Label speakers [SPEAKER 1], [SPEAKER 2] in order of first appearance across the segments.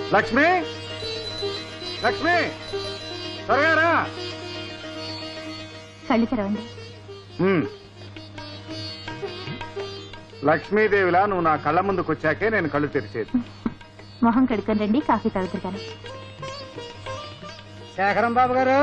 [SPEAKER 1] లక్ష్మి, లక్ష్మి, త్వరగా రా.
[SPEAKER 2] కళ్ళు తెరవండి.
[SPEAKER 1] లక్ష్మీదేవిలా నువ్వు నా కళ్ళ ముందుకు వచ్చాకే నేను కళ్ళు తెరిచేది.
[SPEAKER 2] మొహం కడుక్కొని రండి, కాఫీ తాగుతారు కానీ.
[SPEAKER 3] శేఖరం బాబు గారు,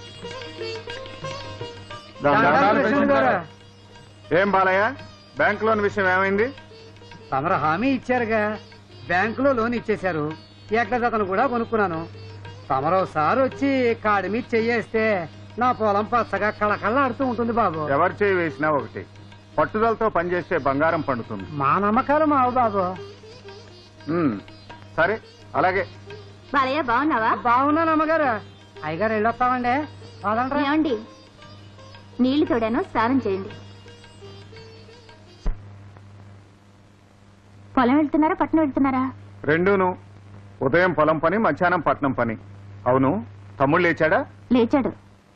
[SPEAKER 1] ఏం బాలయ్య, బ్యాంక్ లోన్ విషయం ఏమైంది?
[SPEAKER 3] తమరు హామీ ఇచ్చారుగా, బ్యాంకులో లోన్ ఇచ్చేశారు. ఏకదతను కూడా కొనుక్కున్నాను. తమరోసారి వచ్చి కాడి మీద చెయ్యేస్తే నా పొలం పచ్చగా కళకళ ఉంటుంది బాబు.
[SPEAKER 1] ఎవరు చేయి వేసినా ఒకటి, పట్టుదలతో పనిచేస్తే బంగారం పండుతుంది.
[SPEAKER 3] మా నమ్మకాలు మావు బాబు.
[SPEAKER 1] సరే అలాగే.
[SPEAKER 2] బాలయ్య బాగున్నావా?
[SPEAKER 3] బాగున్నాను అమ్మగారు. అయ్యగారు వెళ్ళొస్తామండి.
[SPEAKER 2] ఏమండి, నీళ్లు తోడాను, స్నానం చేయండి. పొలం వెళ్తున్నారా పట్నం వెళ్తున్నారా?
[SPEAKER 1] రెండూను. ఉదయం పొలం పని, మధ్యాహ్నం పట్నం పని. అవును, తమ్ముడు లేచాడా?
[SPEAKER 2] లేచాడు.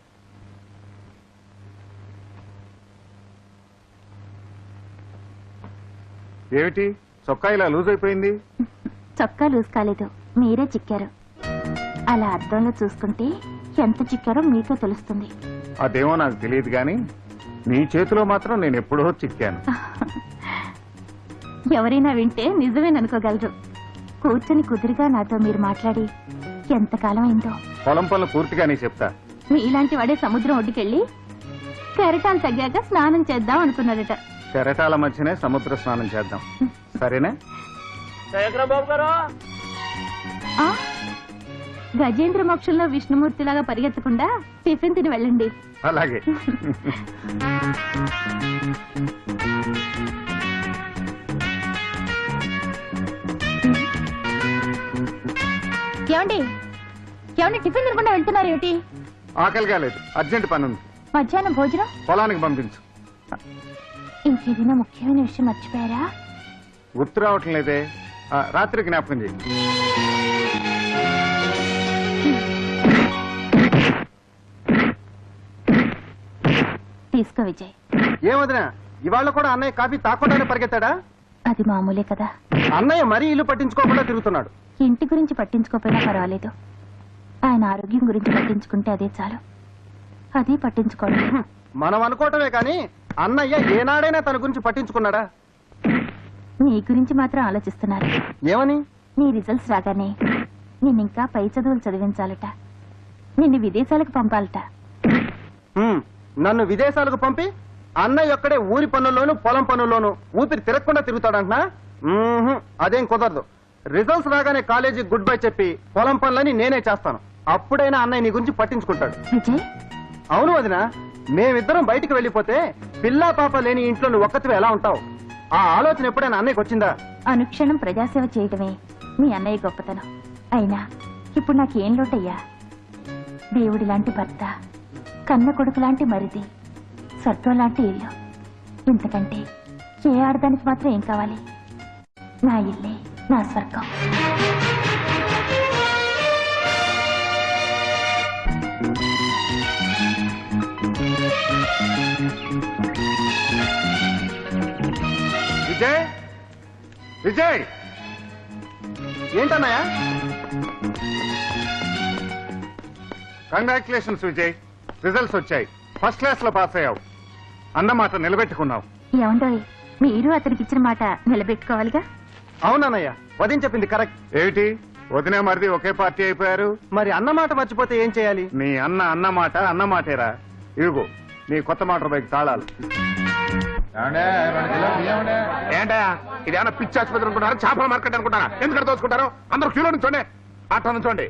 [SPEAKER 1] ఏమిటి చొక్కా ఇలా లూజ్ అయిపోయింది?
[SPEAKER 2] చొక్కా లూజ్ కాలేదు, మీరే చిక్కారు. అలా అద్దంలో చూసుకుంటే ఎంత చిక్కారో మీకే తెలుస్తుంది.
[SPEAKER 1] అదేమో నాకు తెలియదు గాని నీ చేతిలో మాత్రం నేను ఎప్పుడో చిక్కాను.
[SPEAKER 2] ఎవరైనా వింటే నిజమేననుకోగలరు. కూర్చొని కుదురుగా నాతో మీరు మాట్లాడి ఎంతకాలం అయిందో.
[SPEAKER 1] పొలం పనులు పూర్తిగానే చెప్తా.
[SPEAKER 2] మీలాంటి వాడే సముద్రం ఒడ్డుకెళ్ళి కెరటాలు తగ్గాక స్నానం చేద్దాం అనుకున్నాడట.
[SPEAKER 1] కెరటాల మధ్యనే సముద్ర స్నానం చేద్దాం, సరేనా?
[SPEAKER 2] ఆ, గజేంద్ర మోక్షంలో విష్ణుమూర్తిలాగా పరిగెత్తకుండా టిఫిన్ తిని వెళ్ళండి.
[SPEAKER 1] అలాగే.
[SPEAKER 2] ఏమండి, ఏమండి, టిఫిన్ తినకుండా వెళ్తున్నారు ఏమిటి?
[SPEAKER 1] ఆకలి కాలేదు, అర్జెంట్ పని ఉంది.
[SPEAKER 2] మధ్యాహ్నం భోజనం
[SPEAKER 1] పొలానికి పంపించు.
[SPEAKER 2] ఇంకేదైనా ముఖ్యమైన విషయం మర్చిపోయారా?
[SPEAKER 1] గుర్తు రావటం లేదే. రాత్రి జ్ఞాపకం చేయి.
[SPEAKER 2] తీసుకో విజయ్.
[SPEAKER 3] ఏమదినా, ఇవాళ కూడా అన్నయ్య కాఫీ తాకుండానే పరిగెత్తాడా?
[SPEAKER 2] అది మామూలే కదా.
[SPEAKER 3] అన్నయ్య మరీ ఇల్లు పట్టించుకోకుండా తిరుగుతున్నాడు.
[SPEAKER 2] ఇంటి గురించి పట్టించుకోకపోయినా పర్వాలేదు, ఆయన ఆరోగ్యం గురించి పట్టించుకుంటే అదే చాలు. అది పట్టించుకోండి.
[SPEAKER 3] మనం అనుకోవటమే కానీ అన్నయ్య ఏనాడైనా తన గురించి పట్టించుకున్నాడా?
[SPEAKER 2] నీ గురించి మాత్రం ఆలోచిస్తున్నారు.
[SPEAKER 3] ఏమని?
[SPEAKER 2] నీ రిజల్ట్స్ రాగానే నిన్నింకా పై చదువులు చదివించాలట, నిన్ను విదేశాలకు పంపాలట.
[SPEAKER 3] నన్ను విదేశాలకు పంపి అన్నయ్య ఒక్కడే ఊరి పనుల్లోనూ పొలం పనుల్లోనూ ఊపిరి తిరగకుండా తిరుగుతాడంటున్నా? అదేం కుదరదు. రిజల్ట్స్ రాగానే కాలేజీ గుడ్ బై చెప్పి పొలం పనులని నేనే చేస్తాను. అప్పుడైనా అన్నయ్య నీ గురించి పట్టించుకుంటాడు.
[SPEAKER 2] విజయ్,
[SPEAKER 3] అవును వదిన, మేమిద్దరం బయటికి వెళ్ళిపోతే పిల్లా పాప లేని ఇంట్లో నువ్వు ఒక్కతివే ఎలా ఉంటావు? ఆ ఆలోచన ఎప్పుడైనా అన్నయ్యకి వచ్చిందా?
[SPEAKER 2] అనుక్షణం ప్రజాసేవ చేయటమే మీ అన్నయ్య గొప్పతనం. అయినా ఇప్పుడు నాకేం లోటయ్యా? దేవుడి లాంటి భర్త, కన్న కొడుకు లాంటి మరిది, స్వర్గం లాంటి ఇల్లు. ఇంతకంటే ఏ ఆడదానికి మాత్రం ఏం కావాలి? నా ఇల్లే నా స్వర్గం.
[SPEAKER 1] విజయ్, విజయ్,
[SPEAKER 3] ఏంటన్నయ్య?
[SPEAKER 1] కంగ్రాచులేషన్స్ విజయ్, రిజల్ట్స్ వచ్చాయి. ఫస్ట్ క్లాస్ లో పాస్ అయ్యావు. అన్నమాట నిలబెట్టుకున్నావు.
[SPEAKER 2] ఏమండోయ్, మీరు అతనికి ఇచ్చిన మాట నిలబెట్టుకోవాలిగా.
[SPEAKER 3] అవునన్నయ్య, వదిన చెప్పింది కరెక్ట్.
[SPEAKER 1] ఏమిటి వదినే మరిది ఒకే పార్టీ అయిపోయారు?
[SPEAKER 3] మరి అన్నమాట మర్చిపోతే ఏం చేయాలి?
[SPEAKER 1] నీ అన్నమాట అన్నమాటేరా. ఇదిగో నీ కొత్త మోటార్ బైక్ తాళాలు.
[SPEAKER 4] ఏంటా ఇదేమన్నా పిచ్చి ఆసుపత్రి అనుకుంటారా, చేపల మార్కెట్ అనుకుంటారా? ఎందుకంటే దోచుకుంటారు? అందరూ క్యూలో నుంచోండి, అట్లా నుంచోండి.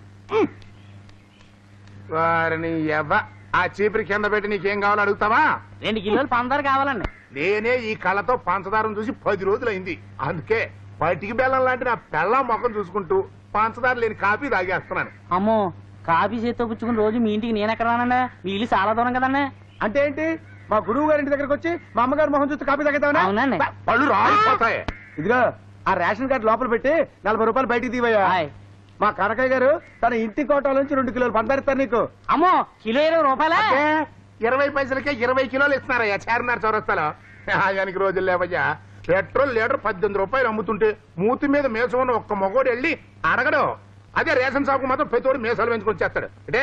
[SPEAKER 4] వారిని ఎవ్వ ఆ చీపురి కింద పెట్టి నీకేం కావాలో అడుగుతావా?
[SPEAKER 5] 2 కిలోలు పంచదార కావాలండి.
[SPEAKER 4] నేనే ఈ కళ్ళతో పంచదారం చూసి 10 రోజులైంది. అందుకే పటికి బెల్లం లాంటి నా బెల్లం మొఖం చూసుకుంటూ పంచదార లేని కాఫీ తాగేస్తున్నాను.
[SPEAKER 5] అమ్మో, కాఫీ చేత్తో పుచ్చుకుని రోజు మీ ఇంటికి నేను ఎక్కడ రానండి? మీ ఇల్లు చాలా దూరం కదండి.
[SPEAKER 3] అంటే ఏంటి? మా గురువు గారి ఇంటి దగ్గరకు వచ్చి మా అమ్మగారు మొహం చూస్తే కాపీ తాగుతావా?
[SPEAKER 5] అవునండి.
[SPEAKER 4] పళ్ళు రాలిపోతాయి.
[SPEAKER 3] ఇదిగో ఆ రేషన్ కార్డు లోపల పెట్టి 40 రూపాయలు బయటికి తీవయ్యా. మా కనకయ్య గారు తన ఇంటి కోటాల నుంచి 2 కిలోలు పందారిస్తారు నీకు.
[SPEAKER 5] అమ్మో, కిలో 20 రూపాయలా?
[SPEAKER 4] 20 పైసలకే 20 కిలోలు ఇస్తున్నారయ్యా చార్మినార్ చౌరస్తాలో. ఆయనకి రోజులు లేవయ్యా. పెట్రోల్ లీటర్ 18 రూపాయలు అమ్ముతుంటే మూతి మీద మేసం ఉన్న ఒక్క మగోడు వెళ్ళి అడగడు. అదే రేషన్ షాపు మాత్రం ప్రతివాడు మేసాలు పెంచుకొని చేస్తాడు. అంటే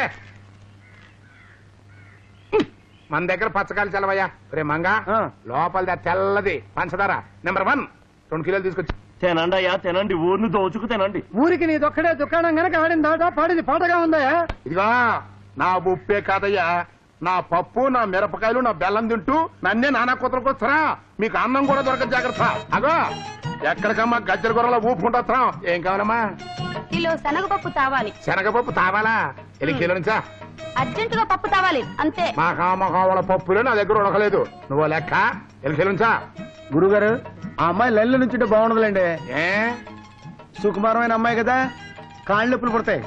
[SPEAKER 4] మన దగ్గర పచ్చకాయలు చల్లవయ్యా. రే మంగా లోపల తెల్లది పంచదార నెంబర్ 1 2 కిలోలు తీసుకొచ్చి
[SPEAKER 6] తినండి అయ్యా తినండి, ఊరిని దోచుకు తినండి.
[SPEAKER 3] ఊరికి నీదొక్కడే దుకాణం గనక ఆడిందా పాడిది పాటగా ఉందయా.
[SPEAKER 4] ఇదిగా నా ఉప్పే కాదయ్యా, నా పప్పు నా మిరపకాయలు నా బెల్లం తింటూ నన్నే నానా కూతురుకు వస్తారా. మీకు అన్నం కూడా దొరకదు, జాగ్రత్త. అగో ఎక్కడికమ్మా గజ్జల గొర్రెల ఊపుకుంటా. ఏం కావాలమ్మా?
[SPEAKER 2] కిలో శనగపప్పు తావాలి.
[SPEAKER 4] శనగపప్పు తావాలా? ఎన్ని కిలో నుంచా?
[SPEAKER 2] అర్జెంటుగా పప్పు తావాలి అంతే.
[SPEAKER 4] మా కామకావల పప్పులే నా దగ్గర ఉడకలేదు. నువ్వు లెక్క ఎన్ని కిలో నుంచా?
[SPEAKER 3] గురుగారు ఆ అమ్మాయి లైన్లో నుంచి బాగుండదులేండి.
[SPEAKER 4] ఏ
[SPEAKER 3] సుకుమారమైన అమ్మాయి కదా, కాళ్ళు నొప్పులు పుడతాయి.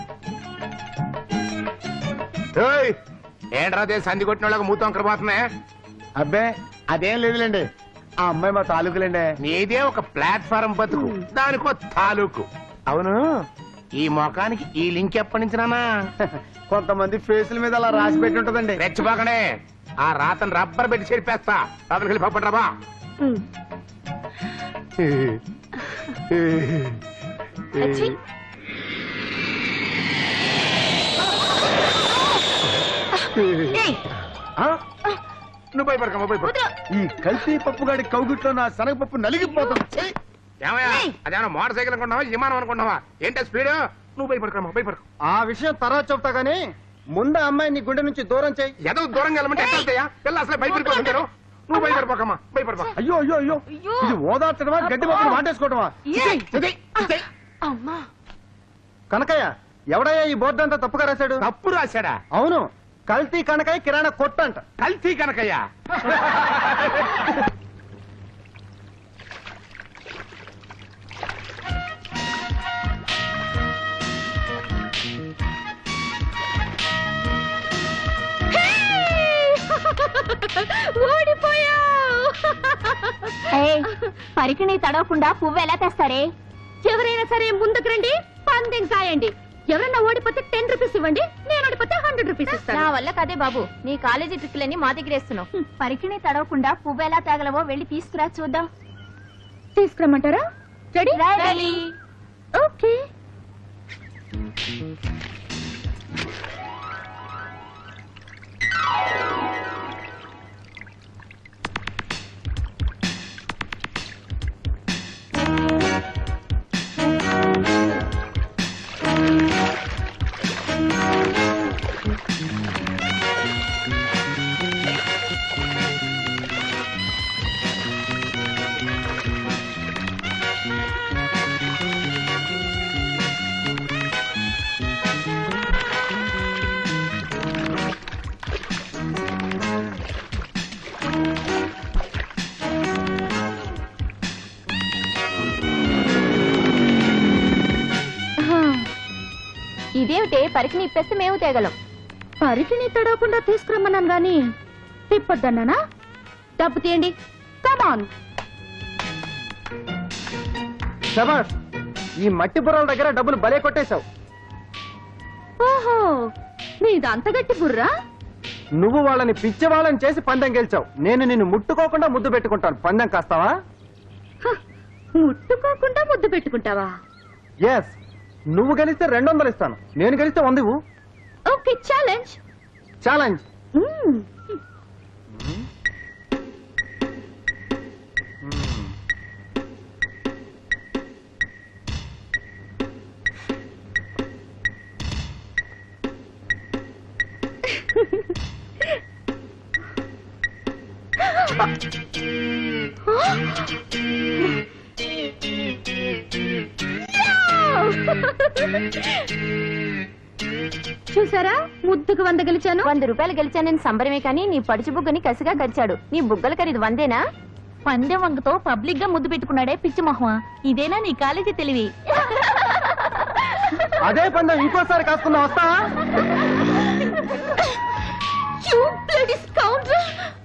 [SPEAKER 4] ఏంట్రా అదే సంధి కొట్టిన వాళ్ళకి మూతం అక్కడ పోతున్నాయి.
[SPEAKER 3] అబ్బే అదేం లేదులేండి, ఆ అమ్మాయి మా తాలూకులేండి.
[SPEAKER 4] నీదే ఒక ప్లాట్ఫారం బతుకు, దానికో తాలూకు. అవును, ఈ మొఖానికి ఈ లింక్ ఎప్పటి నుంచి నానా?
[SPEAKER 3] కొంతమంది ఫేసుల మీద అలా రాసి పెట్టి ఉంటదండి.
[SPEAKER 4] రెచ్చిపోకనే, ఆ రాతను రబ్బర్ పెట్టి చెరిపేస్తా. రాతను వెళ్ళి పప్పట్రాబా. నువ్వు భయపడకమ్మా, భయపడ.
[SPEAKER 3] ఈ కల్తీ పప్పు గాడి కౌగిట్లో నా శనగపప్పు నలిగిపోతుంది.
[SPEAKER 4] ఏమయ్యా, అదేమన్నా మోటార్ సైకిల్ అనుకుంటున్నావా, విమానం అనుకుంటున్నావా? ఏంటో స్పీడ్? నువ్వు భయపడకమ్మా, భయపడకు.
[SPEAKER 3] ఆ విషయం తర్వాత చెప్తా గానీ ముందు అమ్మాయి నీ గుండె నుంచి దూరం చేయి.
[SPEAKER 4] ఏదో దూరంగా వెళ్ళమంటే ఎట్లా వెళ్తాయా? పిల్ల అసలే భయపడిపోతుంటారు. నువ్వు భయపడిపోకమ్మా, భయపడిపో.
[SPEAKER 3] అయ్యో అయ్యో అయ్యో, ఇది ఓదార్చడమా గడ్డి పప్పులు వాటేసుకోవడమా? కనకయ్య, ఎవడయ్యా ఈ బోర్డు అంతా తప్పుగా రాశాడు?
[SPEAKER 4] తప్పు రాశాడా?
[SPEAKER 3] అవును, కల్తీ కనకయ్య కిరాణా కొట్టు అంట.
[SPEAKER 4] కల్తీ కనకయ్యా?
[SPEAKER 2] పరికిణి తడవకుండా పువ్వు ఎలా తెస్తారే? ఎవరైనా సరే ముందుకు రండి, పందెం కాయండి. ఎవరన్నా ఓడిపోతే 10 రూపీస్ ఇవ్వండి, నేను ఓడిపోతే 100 రూపీస్ ఇస్తాను. నా వల్ల కదే బాబు, నీ కాలేజీ ట్రిక్లన్నీ మా దగ్గర వేస్తున్నావు. పరికిణి తడవకుండా పువ్వు ఎలా తగలవో వెళ్ళి తీసుకురా చూద్దాం. తీసుకురమ్మంటారా? రెడీ? ఓకే. ఇదేమిటే, పరికిని ఇప్పేస్తే మేము తేగలం. పరికిని తడవకుండా తీసుకురమ్మన్నాను గాని తిప్పొద్దన్నానా? డబ్బు తీయండి, కమాన్.
[SPEAKER 3] శబాష్, ఈ మట్టి బుర్రల దగ్గర డబ్బులు భలే కొట్టేశావు.
[SPEAKER 2] ఓహో, మీది అంత గట్టి బుర్రా?
[SPEAKER 3] నువ్వు వాళ్ళని పిచ్చి వాళ్ళని చేసి పందెం గెలిచావు. నేను నిన్ను ముట్టుకోకుండా ముద్దు పెట్టుకుంటాను. పందెం కాస్తావా?
[SPEAKER 2] ముట్టుకోకుండా ముద్దు పెట్టుకుంటావా?
[SPEAKER 3] ఎస్, నువ్వు గెలిస్తే 200 ఇస్తాను, నేను గెలిస్తే 100 ఇవ్వు.
[SPEAKER 2] Okay, challenge.
[SPEAKER 3] ఛాలెంజ్.
[SPEAKER 2] చూసారా, ముద్దుకు 100 గెలిచాను. 100 రూపాయలు గెలిచానని సంబరమే కానీ నీ పడుచు బుగ్గని కసిగా గరిచాడు. నీ బుగ్గల ఖరీదు 100ఏనా? పందెం వంగతో పబ్లిక్ గా ముద్దు పెట్టుకున్నాడే పిచ్చి మొహమా. ఇదేనా నీ కాలేజీ తెలివి?
[SPEAKER 3] అదే పందెం ఇంకోసారి కాసుకుందాం, వస్తావా?
[SPEAKER 2] You bloody scoundrel!